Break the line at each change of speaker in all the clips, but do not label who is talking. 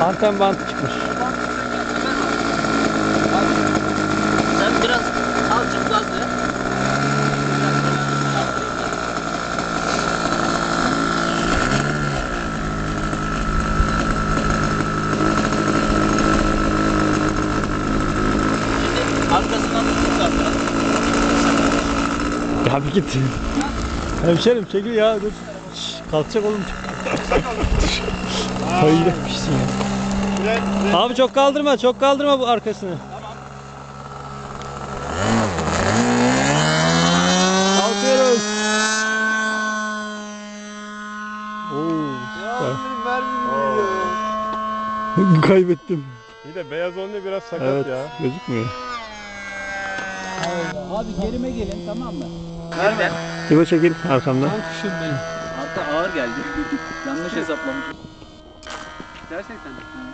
Anten bantı çıkmış.
Sen biraz azıcık gaz ver. Şimdi arkasından tutup biraz.
Ya bir git. Hemşerim çekil ya dur. Şş, kalkacak oğlum. Hayır etmişsin ya. Abi çok kaldırma bu arkasını. Kalkıyoruz. Oo, süper. Kaybettim.
İyi de beyaz olunca biraz sakat
Evet,
ya.
gözükmüyor.
Abi gerime gelin, tamam mı?
Nerede?
İbo çekil arkamdan.
Hatta ağır geldi. Yanlış hesaplamışım.
Gerçekten.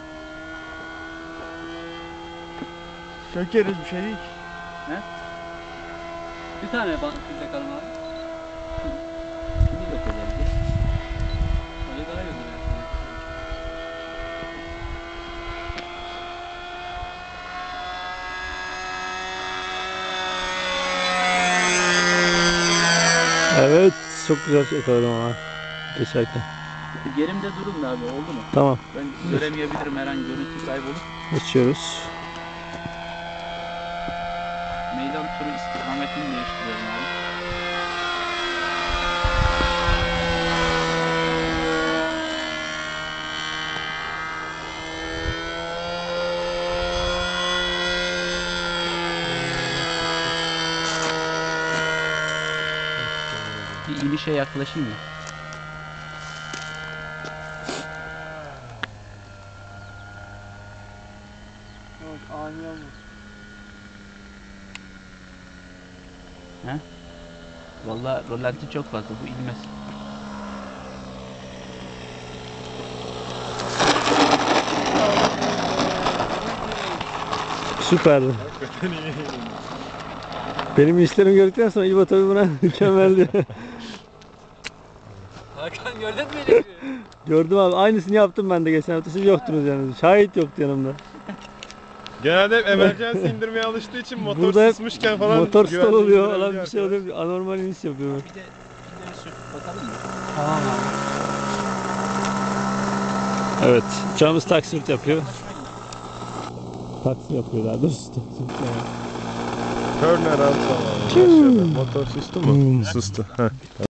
Sökeriz bir şey değil.
Bir tane filtre kalın abi.
Bir yok özellikle.
Öyle daha iyi olur ya.
Evet, çok güzel yakaladım ama geçerken.
Gerimde durun da abi, oldu mu?
Tamam,
Ben göremeyebilirim, her an görüntü kaybolur.
geçiyoruz.
Meydan turu istikametini değiştiriyorum abi. Bir inişe yaklaşayım mı?
Ani olma.
Vallahi rolanti çok fazla, bu inmez.
Süperdi. Benim işlerimi gördükten sonra İbo tabii buna mükemmeldi.
Hakan gördün mü beni?
Gördüm abi, aynısını yaptım ben de geçen hafta, siz yoktunuz yani. Şahit yoktu yanımda.
Genelde hep emergency indirmeye alıştığı için motor
Burada hep
sısmışken falan
motor stall
güvenli
oluyor,
indirebiliyor
falan bir şey
arkadaş.
oluyor, anormal iniş yapıyorum.
Bir de pilleri söküp bakalım mı?
Tamam abi.
Evet, uçağımız taksirt yapıyor. Taksi yapıyor daha doğrusu.
Turn around falan. Başladı. Motor sustu mu? Sustu. Heh.